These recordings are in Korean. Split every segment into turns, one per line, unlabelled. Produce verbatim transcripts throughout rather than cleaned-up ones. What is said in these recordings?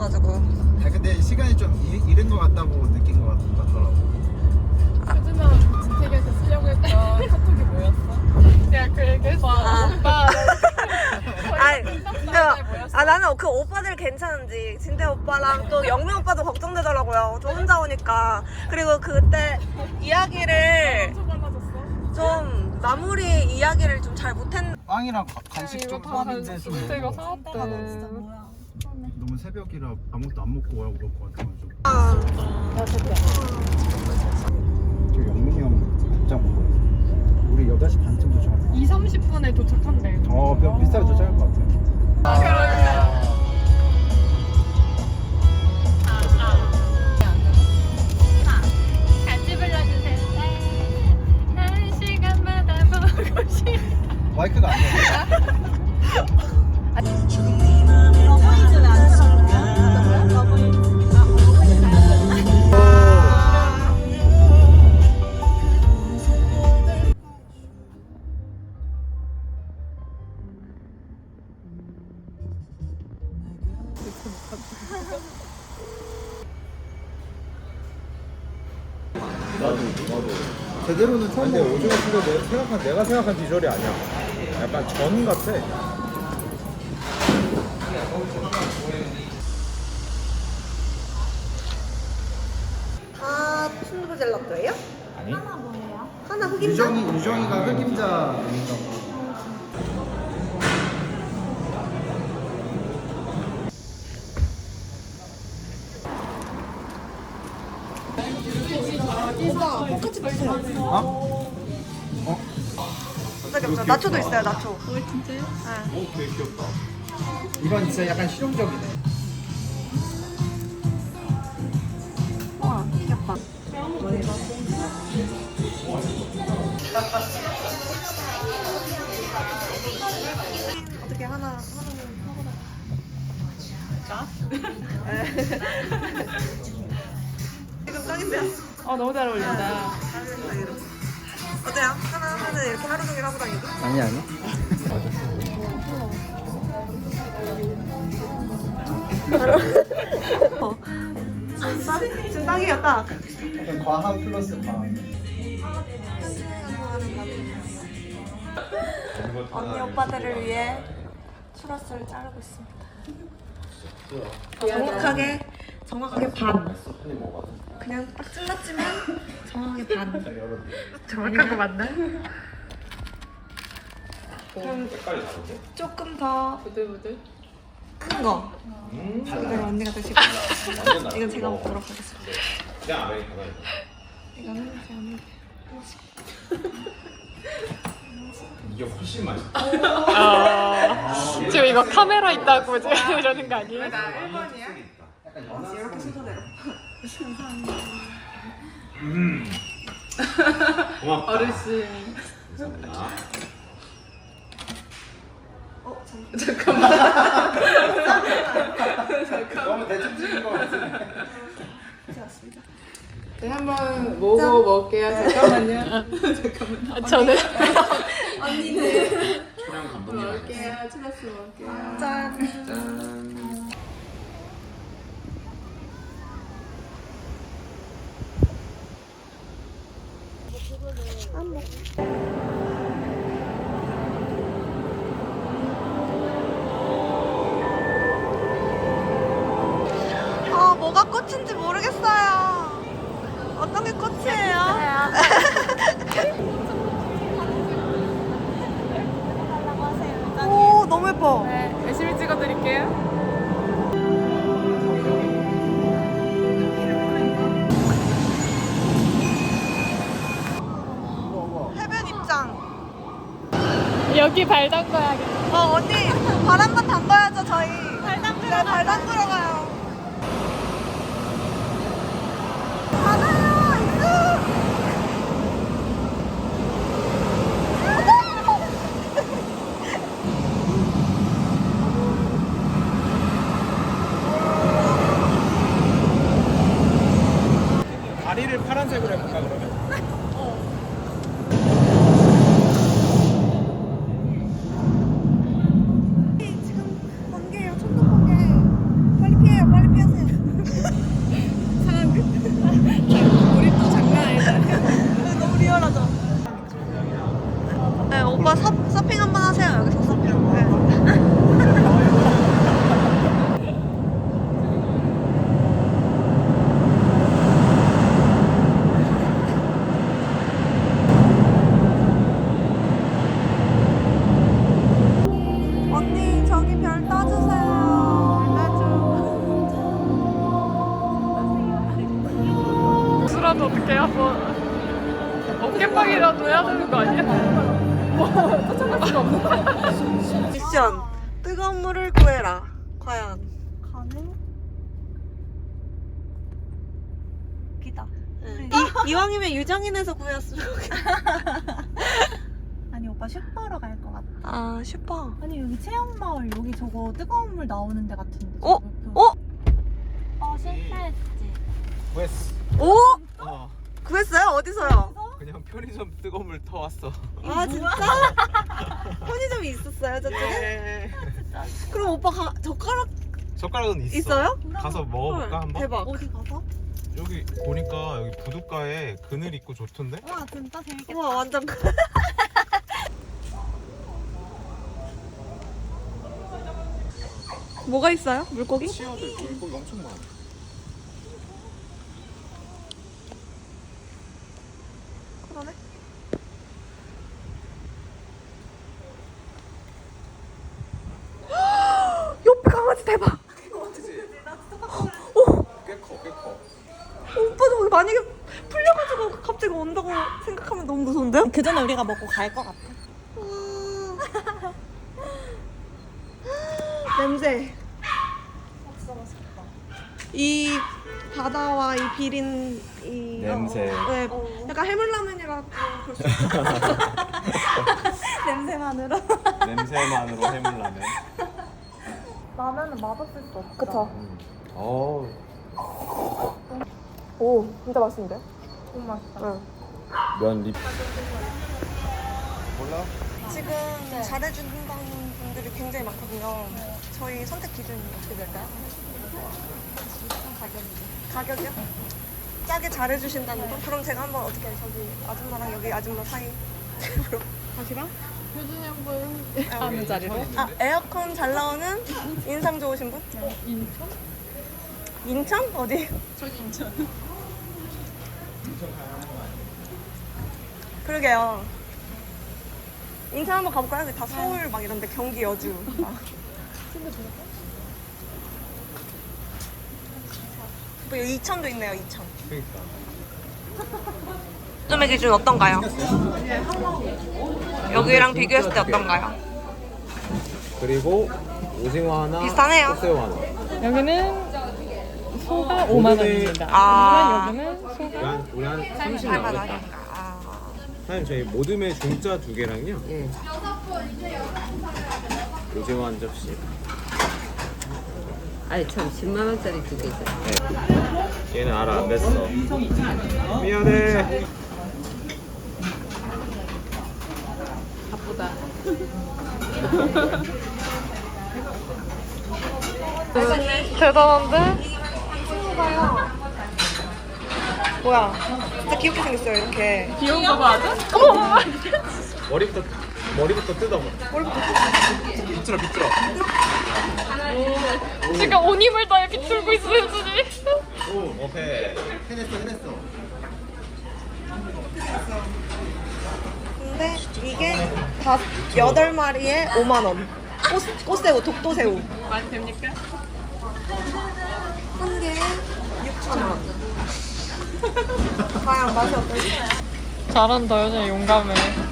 있어가지고.
아 근데 시간이 좀 이, 이른 것 같다고 느낀 것 같- 같더라고.
효준아 진택이한테 쓰려고 했던 카톡이 뭐였어? 내가 그 얘기했어.
아.
오빠.
아니, 근데, 아 나는 그 오빠들 괜찮은지 진태 오빠랑 또 영민 오빠도 걱정되더라고요. 저 혼자 오니까. 그리고 그때 이야기를
엄청 빨라졌어.
좀 마무리 이야기를 좀 잘 못했.
빵이랑 가- 간식
이거
좀
다
사왔는데 좀
진택이가 사왔대.
너무 새벽이라 아무것도 안 먹고 오라고 그럴 것 같아가지고.
아,
저 영민이 형 복장 먹고 우리 여덟 시 반쯤 도착하자.
이, 삼십 분에 도착한대.
어, 비- 비슷하게 도착할 것 같아요.
같이 불러주세요. 한 시간마다 보고 싶어.
마이크가 안 돼.
러브이즈 왜안 틀어줄게요? 러브이즈.
나도 나도 제대로는 처음 근데 오징어 순대 내가 생각한 내가 생각한 비주얼이 아니야. 약간 전 같아.
아, 순두부 젤라또예요?
아니?
하나 흑임자?
유정이 유정이가 흑임자 먹는다고.
오빠 포카치 주세요.
어? 어?
갑자기 없죠. 나초도 있어요. 나초.
어 진짜요?
네.
오, 되게 귀엽다. 이건 진짜 약간 실용적이네.
와, 귀엽다. 어떻게 하나 하나는 하거나.
나?
지금 딱인데요?
어 너무 잘 어울린다.
어때요? 하나 하나는 이렇게 하루 종일 하고 다니고?
아니 아니.
어. 진짜? 지금 딱이에요, 딱.
약간 과한 플러스 과한.
언니 오빠들을 위해 추러스를 자르고 있습니다. 정확하게 정확하게 반. 그냥 딱 잘랐지만 정확하게 반.
정확한 거 맞나?
그럼 조금 더
부들부들.
큰 거. 이걸 언니가 드시고 이건 제가 먹도록 하겠습니다. 이거는 제 언니.
이게 훨씬 맛있다.
어. 지금 이거 카메라 있다고 지금 이러는 거 아니에요?
이렇게 순서대로.
음. 고맙다.
어르신.
감사합니다.
어, 잠깐.
너무 대충 찍은 거 같아.
맞습니다.
네, 한번 먹어 먹게요. 잠깐만요. 잠깐만. 저는
언니는
촬영 감독님
먹을게요. 추러스 먹을게요.
짠.
짠.
아, 뭐가 꽃인지 모르겠어요. 어떤 게 꽃이에요? 오, 너무 예뻐.
네, 열심히 찍어드릴게요.
해변 입장.
여기 발 담궈야겠다.
어, 언니, 발 한 번 담가야죠, 저희. 발 담그러, 네, 발 담그러 가요. 바다요, 입수!
다리를 파란색으로 해볼까 그러면?
지금 번개예요, 천둥 번개. 빨리 피해. 오빠 서, 서핑 한번 하세요. 여기서 서핑 한번. 언니 저기 별 떠주세요. 떠줘.
수라도 어떻게 한번 어깨빵이라도 해야 되는 거 아니야? 뭐 쫓아갈 수가 없는
미션 뜨거운 물을 구해라. 과연
가능? 기다.
이, 이왕이면 유정인에서 구했으면 좋겠다.
아니 오빠 슈퍼로 갈 것 같아.
아 슈퍼.
아니 여기 체험마을 여기 저거 뜨거운 물 나오는 데 같은데.
어?
저거
어?
어 실패했지.
구했어.
오?
어.
구했어요? 어디서요?
그냥 편의점 뜨거운 물 터왔어.
아 진짜? 편의점이 있었어요 저쪽에?
네.
그럼 오빠 가, 젓가락
젓가락은 있어.
있어요?
가서 먹어볼까
헐,
한번?
대박.
어디 가서?
여기 보니까 여기 부둣가에 그늘 있고 좋던데?
와 진짜 재밌겠다.
우와 완전 뭐가 있어요? 물고기?
치어도 있고 물고기 엄청 많아.
그러네. 옆에 강아지 대박.
꽤 커, 꽤 커.
오빠 저기 만약에 풀려가지고 갑자기 온다고 생각하면 너무 무서운데요?
그 전에 우리가 먹고 갈 것 같아.
냄새. 이 바다와 이 비린 이
냄새.
어, 네, 약간 해물라면이라고 볼 수 있어요.
냄새만으로.
냄새만으로 해물라면.
라면은 맛없을 수 없어.
그쵸?
어.
오, 진짜 맛있는데?
너무 맛있다.
응.
면 립. 몰라?
지금 잘해준다는 분들이 굉장히 많거든요. 저희 선택 기준이 어떻게 될까요? 가격이요? 싸게 잘해주신다는 거? 그럼 제가 한번 어떻게 저기 아줌마랑 여기 아줌마 사이 다시랑?
효준이 형분 하는 자리로
아 에어컨 잘 나오는 인상 좋으신 분?
인천?
인천? 어디?
저기 인천
그러게요. 인천 한번 가볼까요? 여기 다 서울 막 이런데 경기 여주. 아. 뭐 여기 이천도 있네요. 이천.
그러니까.
점의 기준 어떤가요? 여기랑 비교했을 때 어떤가요?
그리고 오징어 하나,
비슷하네요.
꽃새우 하나.
여기는 소가 오만 원입니다.
아.
하지만 여기는
우리
소가
한, 우리 한 삼십 나오겠다.
할만하니까. 아.
사장님 저희 모듬의 중짜 두 개랑요.
예.
오징어 한 접시.
아니 참 십만 원짜리 두 개 있어요.
네. 얘는 알아 안 됐어. 미안해.
바쁘다. 대단한데?
뭐야? 진짜 귀엽게 생겼어요. 이렇게.
귀여운 거 맞아? 어머!
머리부터 머리부터 뜯어봐.
머리부터
비틀어 비틀어.
지금 온 힘을 다해 비틀고 있어 효준이.
오 오케이. 해냈어 해냈어.
근데 이게 다 여덟 마리에 오만 원. 꽃, 꽃새우, 독도새우.
많이 됩니까?
한 개에 육천 원. 과연 맛이 어떨지?
잘한다 효준이 용감해.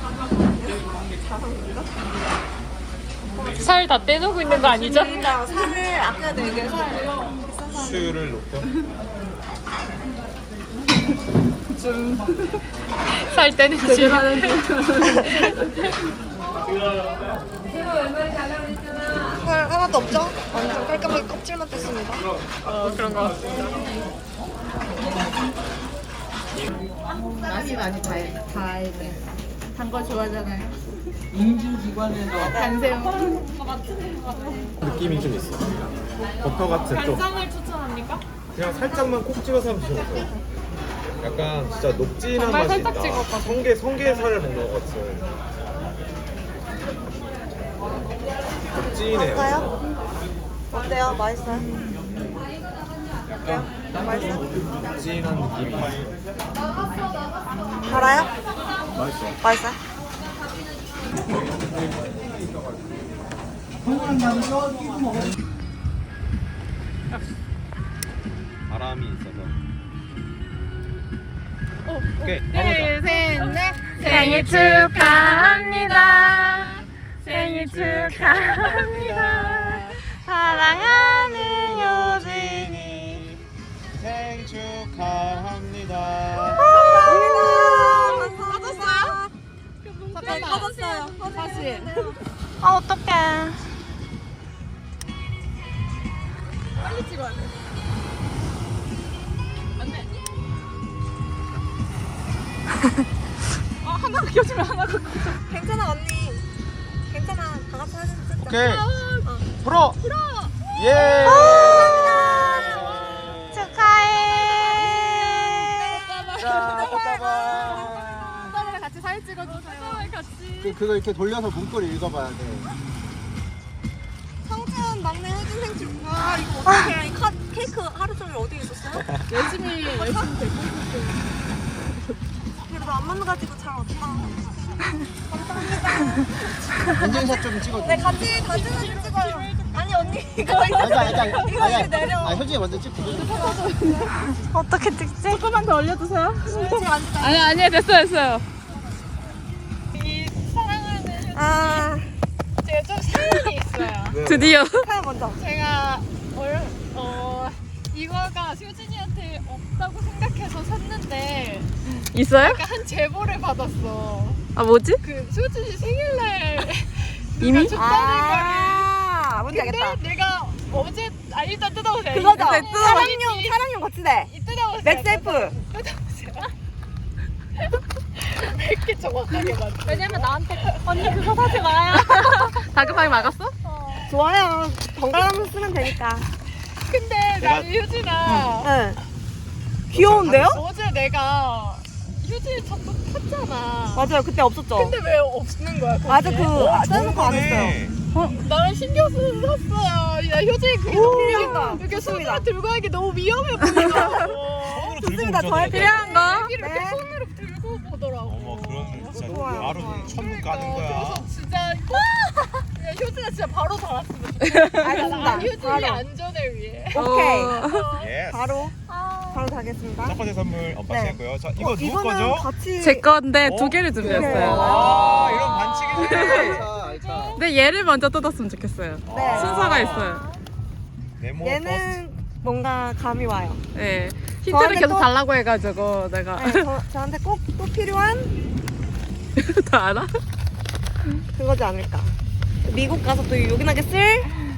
살 다 떼놓고 있는 거 아니죠?
그러니까 살을 아껴야 돼. 이게 살. 비싼 살.
수유를 놓고.
살 떼는 지
살 하나도 없죠? 완전 깔끔하게 껍질만 뺐습니다.
어 그런 거 같아.
맛이 많이 다 다야 돼.
단거 좋아하잖아요.
간새우.
느낌이 좀 있어. 버터 같은 좀.
간장을 추천합니까?
그냥 살짝만 콕 찍어서 한번 드셔보세요. 약간 진짜 녹진한
정말
맛이
살짝
있다.
찍었거든.
성게 성게살을 먹는 것 같은. 찐해요.
어때요? 어때요? 맛있어요? 어때요? 맛있어요?
찐한 느낌이.
달아요?
맛있어.
맛있어요?
바람이 있어서. 오케이.
둘, 셋, 넷. 생일 축하합니다. 생일 축하합니다.
사랑하는 요진이
생일 축하합니다.
꺼졌어요?
잠깐만.
꺼졌어요.
다시.
아 어떡해.
빨리 찍어야 돼. 안 돼. 아, 하나가 껴주면 하나가 꺼져.
괜찮아 언니. 괜찮아. 다 같이 사진 찍자.
오케이.
어.
불어.
불어.
예.
축하해.
자, 꽃다발.
오빠랑 같이 사진 찍어주세요. 같이.
그 그거 이렇게 돌려서 문구를 읽어봐야 돼.
성준 막내 혜진 생축. 아 이거 어떡해. 이 카, 케이크 하루 종일 어디에 있었어요?
열심히 열심히 되고 있었어요.
그래도 안 만나가지고 잘 왔다.
인증샷 좀 찍어줘.
네 같이 같이 사진 찍어요. 아니 언니 이거
아니, 아니, 아니,
이거
아니,
이렇게 내려.
아, 현진이 먼저 찍고.
어떻게 찍지?
조금만 더 올려주세요.
지금 안 찍어요.
아니 아니 됐어요 됐어요.
아
제가 좀 사연이 있어요.
드디어 사연 먼저.
제가 얼, 어 이거가 효진이한테 없다고 생각해서 샀는데
있어요?
약간 한 제보를 받았어.
아 뭐지?
그 효진이 생일날
이미?
누가 줬다는 거를.
아 뭔지
근데
알겠다.
내가 어제 아 일단 뜯어보세요.
그거죠.
일단
사랑용 사랑용 거치대.
이 뜯어보세요.
맥셀프.
뜯어보세요. 왜 이렇게 정확하게 맞지? 왜냐면 나한테 언니 그거 사지 마요.
다급하게 막았어? 좋아요. 번갈아가면서 쓰면 되니까.
근데 나는 효진아
응. 귀여운데요?
어제 내가 효진이 전부 탔잖아.
맞아요. 그때 없었죠.
근데 왜 없는 거야? 거기에?
맞아 그 써놓고 안 했어요.
나는 신경 쓰는 샀어요. 야 효진이 그게
오,
너무
필요하다.
이렇게
좋습니다.
손으로 들고 하기 너무 위험해 보이더라고.
좋습니다. 저의 필요한 거.
이렇게
네.
손으로 들고 보더라고.
어머 그런 진짜
좋아요.
바로 천국 가는 거야.
그래서 진짜 야, 효진아 진짜 바로 달았으면 좋겠어.
알겠습니다.
효진이
바로.
안전을 위해.
오케이.
예.
바로 바로 가겠습니다.
첫 번째 선물 엄마
네.
씨고요. 자 이거
어,
누구
이거는
거죠?
같이
제 건데
어?
두 개를 준비했어요.
아 이런 반칙이네.
알차, 알차.
근데 얘를 먼저 뜯었으면 좋겠어요.
네.
순서가 있어요.
네모
얘는 뭔가 감이 와요.
네. 힌트를
저한테
계속
또-
달라고 해가지고 내가
네, 저, 저한테 꼭 또 필요한
다 알아?
그거지 않을까. 미국 가서 또 요긴하게 쓸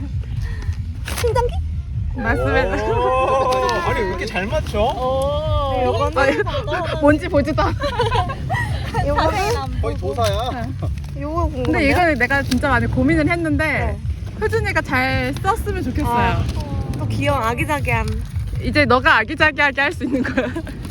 충전기?
맞습니다.
오, 아니 왜 이렇게 잘 맞춰?
오.
네, 요거는
뭔지 보지도 않아.
요거는
거의 도사야.
요거 궁금한데요?
근데 이거는 내가 진짜 많이 고민을 했는데
네.
효준이가 잘 썼으면 좋겠어요.
아, 또 귀여운 아기자기한
이제 너가 아기자기하게 할 수 있는 거야.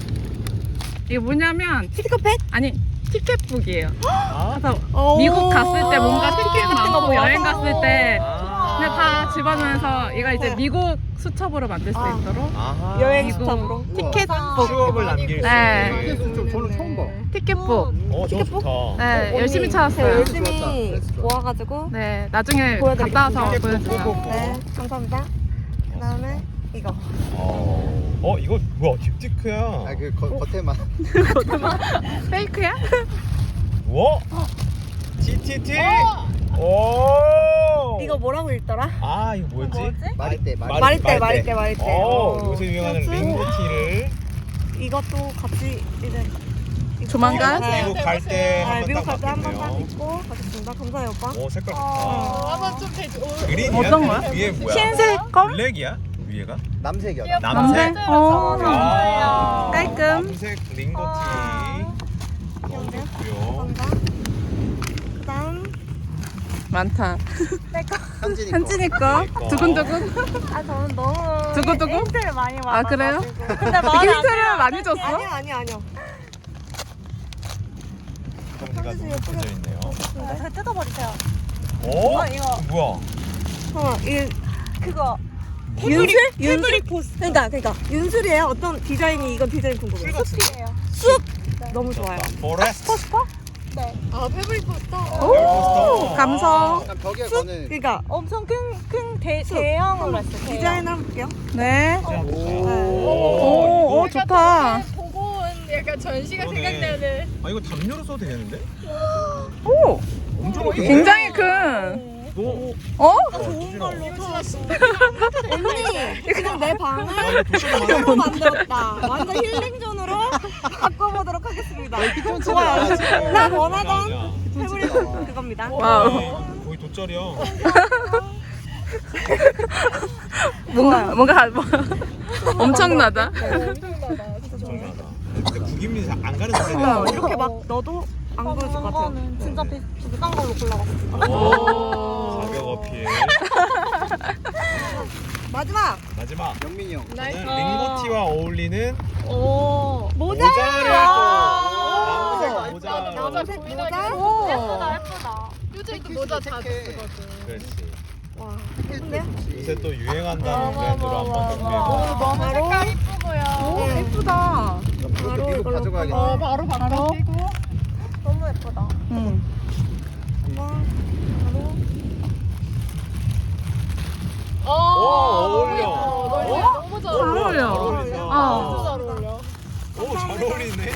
이게 뭐냐면
스티커팩?
아니 티켓북이에요.
아?
그래서
오.
미국 갔을 때 뭔가 티켓
같은 거
나오고
모아서.
여행 갔을 때
아.
그냥 다 집어넣어서 얘가 이제
네.
미국 수첩으로 만들 수
아.
있도록
아하.
여행
미국
수첩으로
티켓북
추억을 남길 수
네.
있는.
이게 좀 저는 처음 봐.
티켓북
어 저거 좋다.
네
언니,
열심히
제가
찾았어요.
열심히
좋았다. 그래서
모아가지고
네 나중에
보여드리겠습니다.
갔다 와서
티켓북
보여주세요.
꼭.
네 감사합니다. 그 다음에 이거
어, 어 이거 뭐야 딥티크야.
아, 그 거, 겉에만.
페이크야?
뭐? 티티티. 오.
이거 뭐라고 읽더라?
아 이거 뭐였지?
말이때, 말.
말이때 말이때 말이때
어,
어.
요새 유행하는
그래서
링고티를
이것도 같이 이제 입고,
조만간?
네.
미국 갈 때
네,
한번
미국
딱
갈 때 한 번 딱
맞겠네요.
입고 가겠습니다. 감사해요 오빠.
오 색깔 좋다.
어, 한번 좀 되지. 오,
그린이야?
어떤 거야?
위에 뭐야?
흰색 껌?
블랙이야? 위에가?
남색이야.
남색?
남색?
어.
아,
깔끔.
남색 링고티. 너무
귀여운데요?
좋고요.
감사합니다. 그다음
많다.
현진이 거.
현진이 거
거.
두근두근.
아 저는 너무
두고두고?
힌트를 많이
아, 그래요?
근데
되게
마음에 안
힌트를
들어요.
많이 줬어?
아니요 아니요 아니요.
성지가 너무 예뻐져 있네요.
네, 뜯어버리세요.
어?
아, 이거.
뭐야?
어, 이 그거 윤술? 윤술 포스. 그러니까 그러니까 윤술이에요. 어떤 디자인이 이건 디자인 궁금해요.
같은
숲. 너무 좋아요.
포레스트.
아 패브릭 포스터.
오, 감성.
약간 벽에
숲?
거는
그러니까 엄청 큰큰 대형으로 했어요. 디자인 한번 볼게요.
네.
오.
오, 오 좋다.
보고 온 약간 전시가
그러네.
생각나는.
아 이거 담요로 써도 되겠는데?
오,
엄청 크네.
굉장히 큰.
너
어?
좋은 걸로
유진아 씨.
언니 지금 내 방을
아, 이거 도시락 많아.
새로 만들었다. 완전 힐링존으로 바꿔보도록 하겠습니다. 좋아요. 나 원하던
야, 야.
패브릭 그겁니다.
와우.
거의 돗자리야.
뭔가 뭔가 뭐, 엄청나다.
엄청나다. 근데 국인민이 잘 안 가는 데는
어, 이렇게 막 넣어도 안 보여줄 것 같아요.
진짜 비, 비싼 걸로 골라봤어.
오. 가격 어필.
마지막
마지막 영민이 형.
나이스.
저는 링고티와 어울리는
오.
모자.
모자를
와.
또 모자
나도
모자.
모자
모자.
고민하게.
오.
예쁘다 예쁘다. 요즘도 모자 자주 쓰거든.
그렇지.
와, 예쁜데요?
요새 또 유행한다는 브랜드로 한번 준비해봐.
너무
바로?
색깔 이쁘고요.
예쁘다.
그것도 미국 가져가야겠다.
어 바로 바로 끼고.
너무 예쁘다.
응.
한번 바로.
어,
어울려.
어? 너무 잘
잘
어울려.
어울려.
잘 어울린다.
어.
잘 어울려.
오, 잘 어울리네.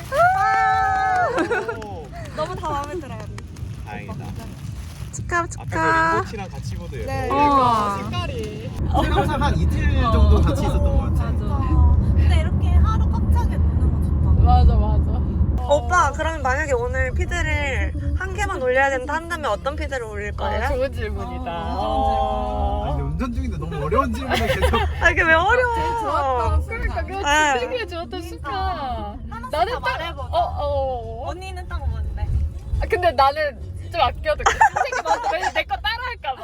오,
너무 다 마음에 들어요.
다행이다.
축하
앞에 그
축하.
링고티랑 같이 입어도 예뻐.
네.
어.
색깔이.
항상 한 이틀 정도 같이 있었던 것 같아.
근데 이렇게 하루 꽉 차게 노는 거 좋다.
맞아 맞아.
오빠, 그러면 만약에 오늘 피드를 한 개만 올려야 된다 한다면 어떤 피드를 올릴
아,
거예요?
좋은 질문이다.
아,
어.
근데 운전 중인데 너무 어려운 질문을 계속.
아, 이게 왜 어려워?
좋았다. 그러니까 그
네.
되게 좋았다 축하.
하나씩
나는
다
딱
말해보자.
어 어. 어.
언니는 딱 뭔데?
아, 근데 나는 좀 아껴둘게. 선생님 먼저 왜냐면 내거 따라할까봐.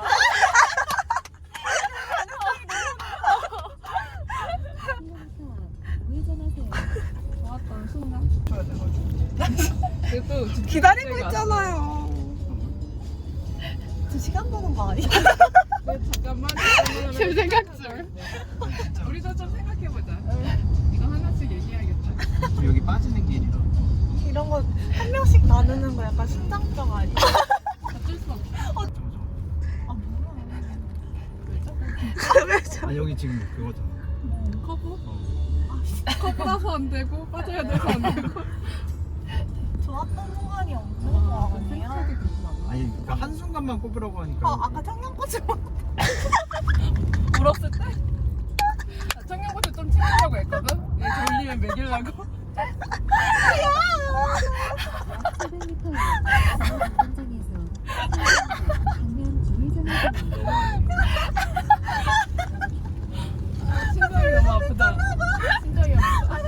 기다리고 있잖아요.
두 시간 보는 거 아니야?
잠깐만.
지금 생각 중.
우리도 좀 생각해보자. 이거 하나씩 얘기해야겠다.
여기 빠지는 길이라.
이런 거 한 명씩 나누는 거 약간 심장병 아니야?
어쩔 수 없어.
아 뭐야?
아 여기 지금 그거잖아.
커브? 커브라서 안 되고 빠져야 돼서 안 되고.
좋았던 순간이 없는 거 아니야?
아니 그러니까 한 순간만 꼽으라고 하니까.
어 아까 청양고추
울었을 때? 청양고추 좀 튀기려고 했거든? 얘 졸리면 먹이려고. 심장이 너무 아프다. 심장이 아프다.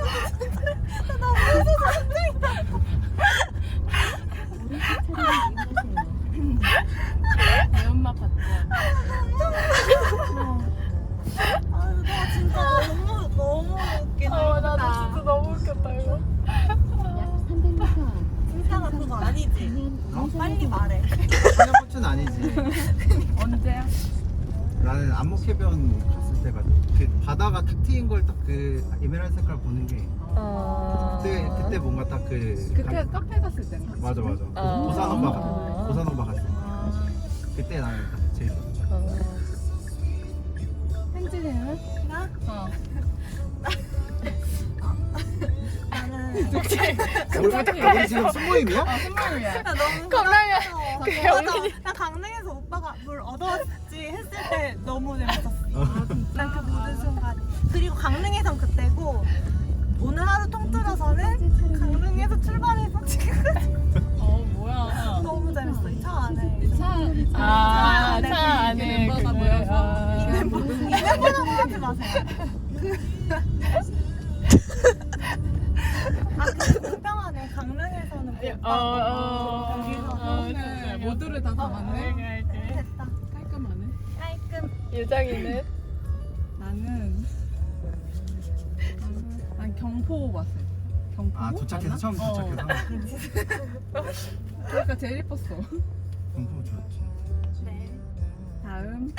매운맛 받자.
아유 나 진짜 너무 너무 웃기다.
어, 나도 진짜 너무 웃겼다, 이거.
진짜가 그거 아니지? 어, 빨리 말해.
청양고추는 아니지.
언제야?
나는 안목해변 갔을 때가 그 바다가 탁 트인 걸 딱 그 에메랄드 색깔 보는 게 그때 그때 뭔가 딱 그
그때 카페 갔을 때인가?
맞아 맞아.
아.
고산오바 갔 고산오바 갔을 때. 그때 나는 딱 제일 좋았어.
현진이는?
나?
어.
나는
우리 지금 순모임이야?
선물이야.
나 너무
겁나게.
재밌었어.
그
맞아.
영민이.
나 강릉에서 오빠가 뭘 얻어왔지 했을 때 너무 재밌었어. 난 그 모든 순간. 그리고 강릉에선 그때고 오늘 하루 통틀어서는 강릉에서 출발해서 지금까지
어, 뭐야.
너무 재밌어. 이 차 안에.
차, 아, 차 안에
멤버가
그게,
모여서.
아.
이 멤버라고 하지 마세요. 아, 그 불평하네. 강릉에서는
어, 어,
여기서
어,
오늘 모두를 다 담았네.
됐다.
깔끔하네.
깔끔.
유정이는?
나는 나는 난 경포 왔어요. 경포?
아 도착해서 처음 도착해서.
그러니까 제일 예뻤어.
공부 좋았지.
네.
다음.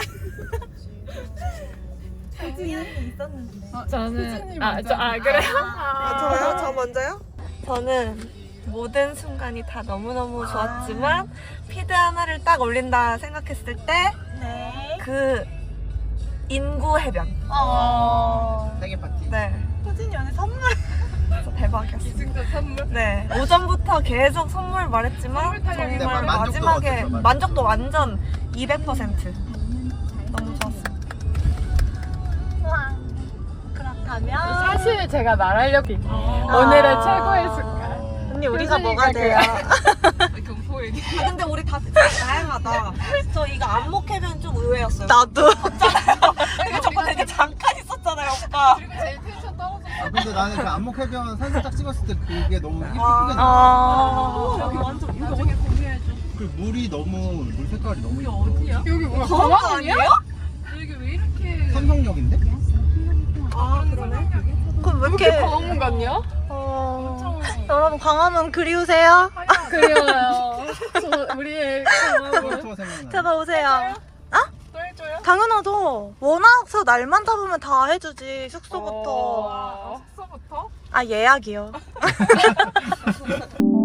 혜진이 언니 있었는데.
저는 아, 저, 아 그래요?
아, 저요? 저 먼저요? 저는 모든 순간이 다 너무너무 좋았지만 피드 하나를 딱 올린다 생각했을 때
네.
그 인구 해변.
어.
생일 파티.
네.
혜진이 언니 선물.
진짜 대박이었어요.
이승자 선물.
네. 오전부터 계속 선물 말했지만
선물 타령이
정말
만족도가
마지막에
어땠어요? 만족도?
만족도 완전 이백 퍼센트. 너무 좋았어요.
우와. 그렇다면
사실 제가 말하려고
아.
오늘의 최고의 순간.
언니 우리가 뭐가 돼요?
경포 얘기.
아, 근데 우리 다 진짜 다양하다. 저 이거 안목해변 좀 의외였어요.
나도.
되게 저거 되게 잠깐 있었잖아요, 오빠.
그리고 제일 텐션 떨어졌어.
아, 근데 나는 그 안목해변 사진 딱 찍었을 때 그게 너무 예쁘게
아.
나와.
아.
여기 완전 이거
나중에 공유해줘.
그 물이 너무 물 색깔이 너무 예뻐.
어디야? 여기 뭐야?
더운 거 아니에요?
여기 왜 이렇게
삼성역인데?
아, 그러네.
그럼 왜
이렇게
이렇게?
광화문 같냐?
어... 여러분 광화문 그리우세요?
그래요. 저 우리의 강화문.
투어 생각나.
제발 오세요.
또 해줘요?
당연하죠. 워낙서 날만 잡으면 다 해주지. 숙소부터.
아, 숙소부터?
아 예약이요.